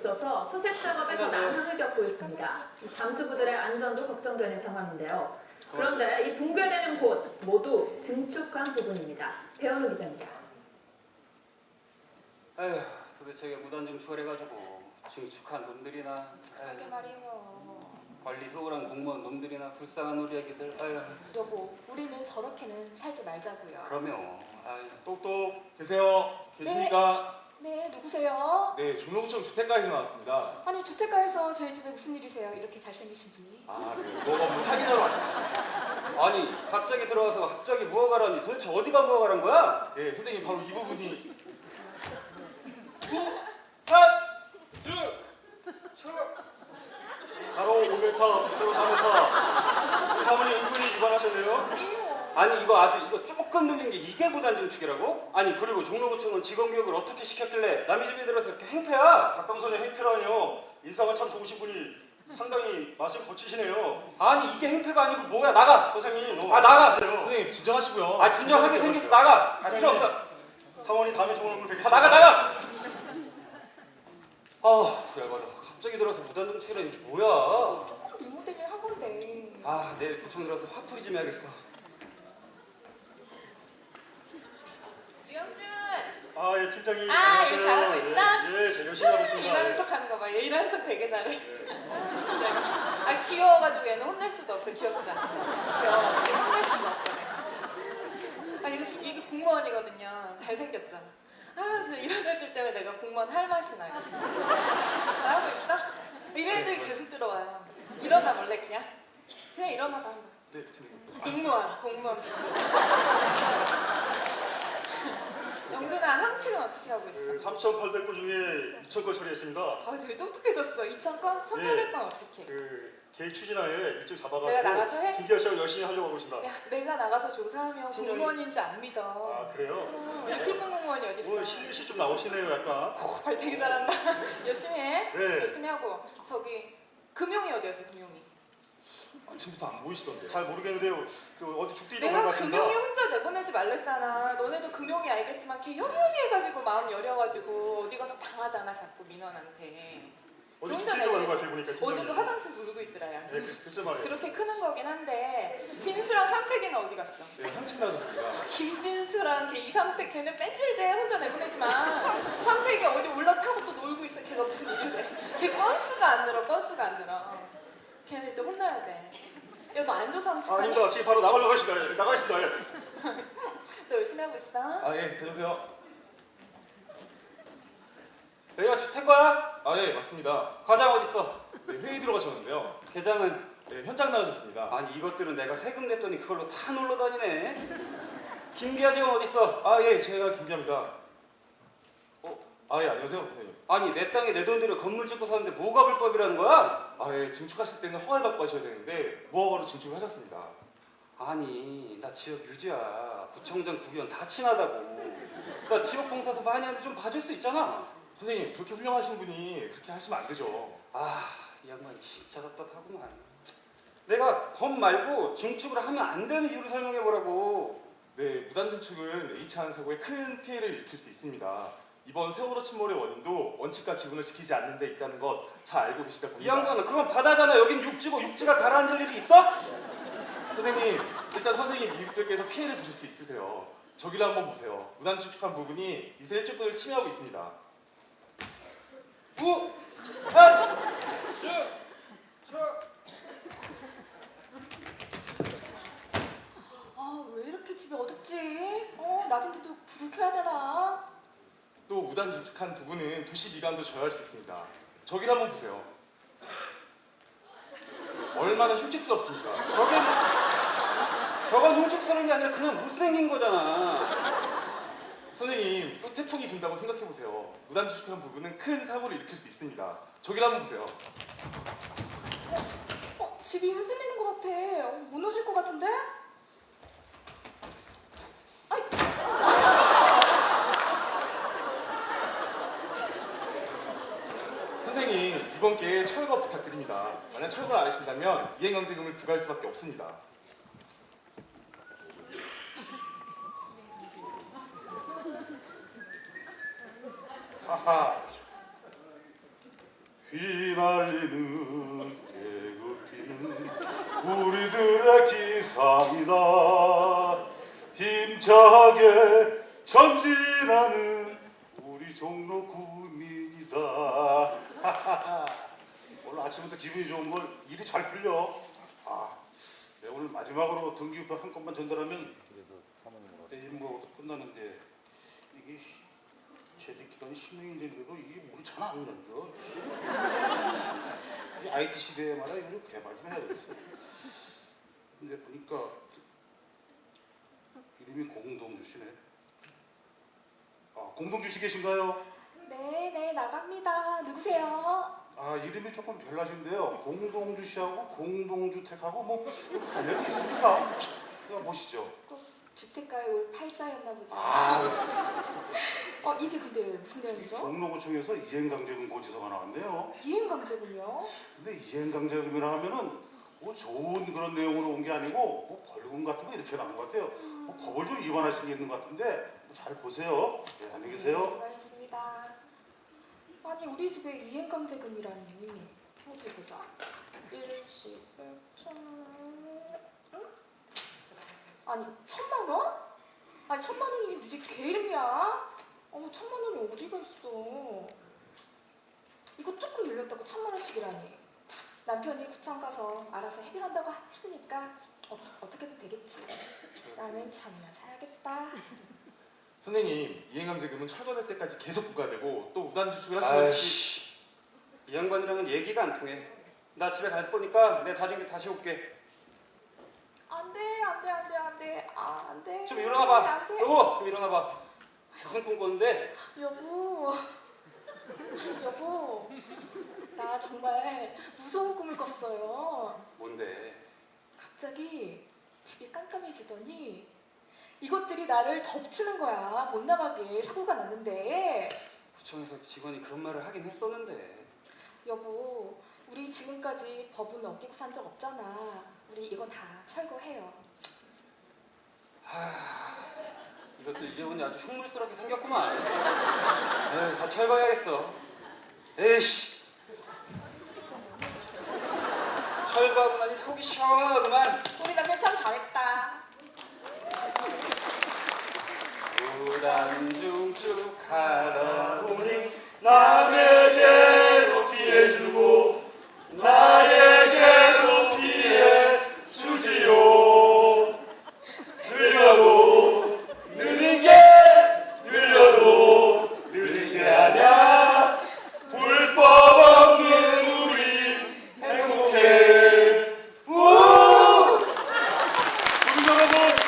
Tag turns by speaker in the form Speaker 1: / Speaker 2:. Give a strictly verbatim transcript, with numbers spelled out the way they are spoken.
Speaker 1: 있어서 수색 작업에 더 난항을 겪고 있습니다. 잠수부들의 안전도 걱정되는 상황인데요. 그런데 이 붕괴되는 곳 모두 증축한 부분입니다. 배현우 기자입니다.
Speaker 2: 에휴, 도대체 왜 무단 증축을 해가지고 증축한 놈들이나
Speaker 3: 그러게 말이에요.
Speaker 2: 관리 소홀한 공무원 놈들이나 불쌍한 우리 애기들. 아유.
Speaker 3: 여보, 우리는 저렇게는 살지 말자고요.
Speaker 2: 그럼요. 아유.
Speaker 4: 똑똑 계세요? 계십니까?
Speaker 3: 네, 누구세요?
Speaker 4: 네, 종로구청 주택가에서 나왔습니다.
Speaker 3: 아니, 주택가에서 저희 집에 무슨 일이세요? 이렇게 잘생기신 분이.
Speaker 4: 아, 네, 뭐가 뭐 확인하러 왔습니다.
Speaker 2: 아니 갑자기 들어와서 갑자기 무화과라니 도대체 어디가 무화과란 거야?
Speaker 4: 네, 선생님 바로 이 부분이 후한주 가로 오 미터, 세로 사 미터. 우리 사모님 은근히 위반하셨네요.
Speaker 2: 아니 이거 아주 이거 조금 늘린 게 이게 무단 증축이라고? 아니 그리고 종로구청은 직원교육을 어떻게 시켰길래 남의 집에 들어서 이렇게 행패야?
Speaker 4: 박강선의 행태라니요. 인상은 참 좋으신 분이 상당히 맛을 거치시네요.
Speaker 2: 아니 이게 행패가 아니고 뭐야? 나가!
Speaker 4: 선생님 너무
Speaker 2: 아, 나가!
Speaker 4: 말씀하세요. 선생님 진정하시고요.
Speaker 2: 아 진정하게 생겼어. 나가! 아 필요 없어.
Speaker 4: 사원이 다음에 좋은 얼굴
Speaker 2: 아,
Speaker 4: 뵙겠습니다.
Speaker 2: 나가 나가! 아우 열받아. 갑자기 들어서 무단 증축이라니 뭐야?
Speaker 3: 조금 리모델링 한 건데.
Speaker 2: 아 내일 구청 들어서 화풀이 좀 해야겠어.
Speaker 3: 유영준!
Speaker 4: 아, 예, 팀장님.
Speaker 3: 아,
Speaker 4: 안녕하세요.
Speaker 3: 일 잘하고 있어?
Speaker 4: 예, 예, 잘 열심히 하고 있습니다.
Speaker 3: 일하는 척 하는 거 봐. 얘 일하는 척 되게 잘해. 아, 진짜. 아, 귀여워가지고 얘는 혼낼 수도 없어. 귀엽잖아. 귀여워가지고 혼낼 수도 없어. 내가. 아, 이거, 이게 공무원이거든요. 잘생겼죠? 아, 진짜 이런 애들 때문에 내가 공무원 할 맛이 나요. 잘하고 있어? 이런 애들이 계속 들어와요. 일어나 볼래, 그냥? 그냥 일어나봐.
Speaker 4: 네, 팀장님.
Speaker 3: 공무원, 공무원 비주. 영준아, 항칭은 어떻게 하고 있어?
Speaker 4: 그 삼천팔백 건 중에 이천 건 처리했습니다.
Speaker 3: 아, 되게 똑똑해졌어. 이천 건? 천팔백 건 어떻게?
Speaker 4: 그 계획 추진하에 일찍 잡아가지고
Speaker 3: 내가 나가서 해?
Speaker 4: 김기아 씨하고 열심히 하려고 하고 있습니다.
Speaker 3: 야, 내가 나가서 조사하면
Speaker 4: 팀장님.
Speaker 3: 공무원인 줄 안 믿어.
Speaker 4: 아, 그래요?
Speaker 3: 어, 이렇게 예쁜 공무원이 어딨어?
Speaker 4: 오늘 실시 좀 나오시네요, 약간.
Speaker 3: 오, 발 되게 잘한다. 열심히 해.
Speaker 4: 네.
Speaker 3: 열심히 하고. 저기 금용이 어디였어, 금용이?
Speaker 4: 아침부터 안 보이시던데. 잘 모르겠는데요. 그 어디 죽도 잃어버린 것
Speaker 3: 내가
Speaker 4: 같습니다.
Speaker 3: 금용이 혼자 내보내지 말랬잖아. 너네도 금용이 알겠지만 걔 여리여리해가지고 마음 여려가지고 어디 가서 당하잖아, 자꾸 민원한테.
Speaker 4: 어디
Speaker 3: 혼자
Speaker 4: 죽도 잃어버린
Speaker 3: 내보내지.
Speaker 4: 것 같아요, 보니까. 팀장님.
Speaker 3: 어제도 화장실 울고 있더라, 야.
Speaker 4: 네, 글- 글쎄 말이에요.
Speaker 3: 그렇게 크는 거긴 한데 진수랑 삼택이는 어디 갔어?
Speaker 4: 네, 한층 나셨습니다.
Speaker 3: 김진수랑 걔 이삼택 걔는 뺀질대 혼자 내보내지만 삼택이 어디 올라타고 또 놀고 있어. 걔가 무슨 일을 해. 걔 건수가 안 늘어. 건수가 안 늘어. 걔는 이제 혼나야 돼. 야, 너 안 줘서
Speaker 4: 아,
Speaker 3: 한척하니?
Speaker 4: 아닙니다. 지금 바로 나가려고 하십니다. 나가겠습니다. 예.
Speaker 3: 너 열심히 하고 있어?
Speaker 4: 아, 예, 다녀오세요.
Speaker 2: 여기가 주택가야?
Speaker 4: 아, 예, 맞습니다.
Speaker 2: 과장 어딨어?
Speaker 4: 네, 회의 들어가셨는데요.
Speaker 2: 계장은?
Speaker 4: 네, 현장 나가셨습니다.
Speaker 2: 아니 이것들은 내가 세금 냈더니 그걸로 다 놀러 다니네. 김기아 직원 어딨어?
Speaker 4: 아, 예, 제가 김기아입니다. 어, 아, 예, 안녕하세요, 선생님.
Speaker 2: 아니 내 땅에 내 돈 들여 건물 짓고 사는데 뭐가 불법이라는 거야?
Speaker 4: 아, 예, 증축하실 때는 허가를 받고 하셔야 되는데 무허가로 증축을 하셨습니다.
Speaker 2: 아니 나 지역 유지야. 구청장 구의원 다 친하다고. 나 지역 봉사도 많이 하는데 좀 봐줄 수 있잖아.
Speaker 4: 선생님, 그렇게 훌륭하신 분이 그렇게 하시면 안 되죠.
Speaker 2: 아 이 양반 진짜 답답하구만. 내가 법 말고 증축을 하면 안 되는 이유를 설명해 보라고.
Speaker 4: 네, 무단 증축은 H하는 사고에 큰 피해를 일으킬 수 있습니다. 이번 세월호 침몰의 원인도 원칙과 기본을 지키지 않는 데 있다는 것 잘 알고 계시다
Speaker 2: 이
Speaker 4: 봅니다.
Speaker 2: 양반은 그건 바다잖아. 여긴 육지고 육지가 가라앉을 일이 있어?
Speaker 4: 선생님, 일단 선생님 이웃들께서 피해를 보실 수 있으세요. 저기를 한번 보세요. 무단 증축한 부분이 미세 일조권을 침해하고 있습니다. 우! 한! 주! 주!
Speaker 3: 아, 왜 이렇게 집이 어둡지? 어, 낮인데도 불을 켜야 되나?
Speaker 4: 또 무단 증축한 부분은 도시 미관도 저해할 수 있습니다. 저기를 한번 보세요. 얼마나 흉측스럽습니까?
Speaker 2: 저게 저건 흉측스러운 게 아니라 그냥 못생긴 거잖아.
Speaker 4: 선생님, 또 태풍이 분다고 생각해보세요. 무단 증축한 부분은 큰 사고를 일으킬 수 있습니다. 저기를 한번 보세요.
Speaker 3: 어, 집이 흔들리는 것 같아. 어, 무너질 것 같은데? 아이.
Speaker 4: 선생님, 이번 기회에 철거 부탁드립니다. 만약 철거를 안 하신다면 이행강제금을 부과할 수밖에 없습니다. 하하.
Speaker 5: 휘날리는 태극기는 우리들의 기상이다. 힘차게 전진하는 우리 종로 구민이다. 오늘 아침부터 기분이 좋은 걸 일이 잘 풀려. 아, 내가 오늘 마지막으로 등기우편 한 건만 전달하면 내 임무가 끝나는데 이게 재직 기간이 십 년인데도 이게 물이 잘 안 넘겨. 이 아이티 시대에 말이야 이거 좀 개발 좀 해야 되겠어. 근데 보니까 이름이 공동주시네. 아, 공동주시 계신가요?
Speaker 6: 네, 네, 나갑니다. 누구세요?
Speaker 5: 아, 이름이 조금 별나신데요. 공동주시하고 공동주택하고 뭐 관련이 있습니까? 이거 보시죠.
Speaker 6: 꼭 주택가에 올 팔자였나 보죠.
Speaker 5: 아,
Speaker 6: 어, 이게 근데 무슨 내용이죠?
Speaker 5: 종로구청에서 이행강제금 고지서가 나왔네요.
Speaker 6: 이행강제금이요?
Speaker 5: 근데 이행강제금이라 하면은 뭐 좋은 그런 내용으로 온 게 아니고 뭐 벌금 같은 거 이렇게 나온 것 같아요. 뭐 법을 좀 위반하신 게 있는 것 같은데 잘 보세요. 네, 안녕히 계세요.
Speaker 6: 수고하셨습니다. 아니, 우리 집에 이행강제금이라니. 어디 보자. 일시, 천... 응? 아니, 천만 원? 아니, 천만 원이면 무지 개 이름이야? 어머, 천만 원이 어디가 있어? 이거 조금 늘렸다고 천만 원씩이라니. 남편이 구청 가서 알아서 해결한다고 했으니까 어, 어떻게든 되겠지. 나는 잠이나 자야겠다.
Speaker 4: 선생님, 이행강제금은 철거될 때까지 계속 부과되고 또 무단 주식을 하시는 시
Speaker 2: 아이씨, 이 양반이랑은 얘기가 안 통해. 나 집에 가서 보니까 내가 다중에 다시 올게.
Speaker 6: 안 돼, 안 돼, 안 돼, 안 돼. 아, 안 돼.
Speaker 2: 좀 일어나봐.
Speaker 6: 안 돼.
Speaker 2: 여보, 좀 일어나봐. 무슨 꿈 꿨는데?
Speaker 6: 여보. 여보. 나 정말 무서운 꿈을 꿨어요.
Speaker 2: 뭔데?
Speaker 6: 갑자기 집이 깜깜해지더니 이것들이 나를 덮치는 거야. 못 나가게 사고가 났는데.
Speaker 2: 구청에서 직원이 그런 말을 하긴 했었는데.
Speaker 6: 여보, 우리 지금까지 법은 어기고 산 적 없잖아. 우리 이거 다 철거해요.
Speaker 2: 하... 이것도 이제 보니 아주 흉물스럽게 생겼구만. 에이, 다 철거해야겠어. 에이씨. 철거하고 나니 속이 시원하구만.
Speaker 6: 우리 남편 참 잘했다.
Speaker 2: 무단중축하다 보니
Speaker 5: 남에게도 피해주고 나에게도 피해주지요. 늘려도 늘린 게 늘려도 늘린 게 아냐. 불법 없는 우리 행복해. 우! 우리 여러분